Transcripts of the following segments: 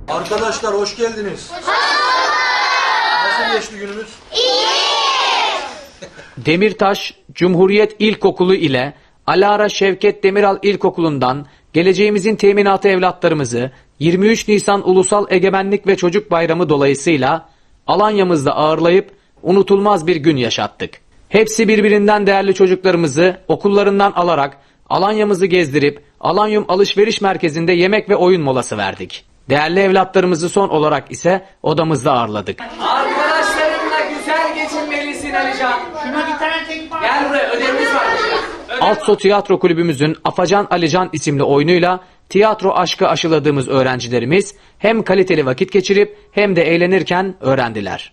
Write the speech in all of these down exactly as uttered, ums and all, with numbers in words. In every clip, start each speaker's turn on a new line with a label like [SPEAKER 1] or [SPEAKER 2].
[SPEAKER 1] Arkadaşlar hoş geldiniz. Hoş Nasıl geçti günümüz? İyi.
[SPEAKER 2] Demirtaş Cumhuriyet İlkokulu ile Alara Şevket Demiral İlkokulu'ndan geleceğimizin teminatı evlatlarımızı yirmi üç Nisan Ulusal Egemenlik ve Çocuk Bayramı dolayısıyla Alanya'mızda ağırlayıp unutulmaz bir gün yaşattık. Hepsi birbirinden değerli çocuklarımızı okullarından alarak Alanya'mızı gezdirip Alanyum Alışveriş Merkezi'nde yemek ve oyun molası verdik. Değerli evlatlarımızı son olarak ise odamızda ağırladık.
[SPEAKER 3] Arkadaşlarınla güzel geçinmelisin Alican.
[SPEAKER 4] Şuna bir tane tek var.
[SPEAKER 3] Gel buraya, ödevimiz var.
[SPEAKER 2] Altso Tiyatro Kulübümüzün Afacan Alican isimli oyunuyla tiyatro aşkı aşıladığımız öğrencilerimiz hem kaliteli vakit geçirip hem de eğlenirken öğrendiler.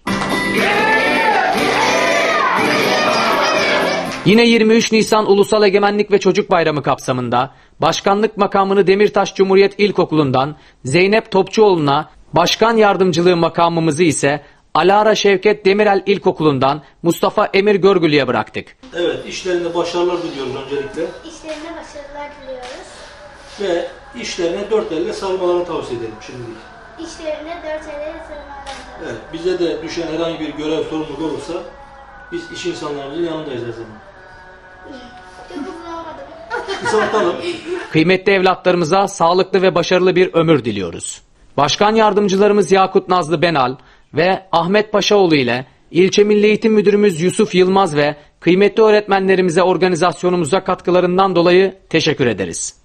[SPEAKER 2] Yine yirmi üç Nisan Ulusal Egemenlik ve Çocuk Bayramı kapsamında başkanlık makamını Demirtaş Cumhuriyet İlkokulu'ndan Zeynep Topçuoğlu'na, başkan yardımcılığı makamımızı ise Alara Şevket Demirel İlkokulu'ndan Mustafa Emir Görgülü'ye bıraktık.
[SPEAKER 1] Evet, işlerinde başarılar diliyoruz öncelikle.
[SPEAKER 5] İşlerine başarılar diliyoruz.
[SPEAKER 1] Ve işlerine dört elle sarmalarını tavsiye edelim şimdilik.
[SPEAKER 5] İşlerine dört elle sarılarlar diliyoruz.
[SPEAKER 1] Evet, bize de düşen herhangi bir görev sorumluluk olursa biz iş insanlarımızın yanındayız her zaman.
[SPEAKER 5] Çok uzun olmadı mı?
[SPEAKER 1] Kısaltalım.
[SPEAKER 2] Kıymetli evlatlarımıza sağlıklı ve başarılı bir ömür diliyoruz. Başkan yardımcılarımız Yakut Nazlı Benal ve Ahmet Paşaoğlu ile İlçe Milli Eğitim Müdürümüz Yusuf Yılmaz ve kıymetli öğretmenlerimize organizasyonumuza katkılarından dolayı teşekkür ederiz.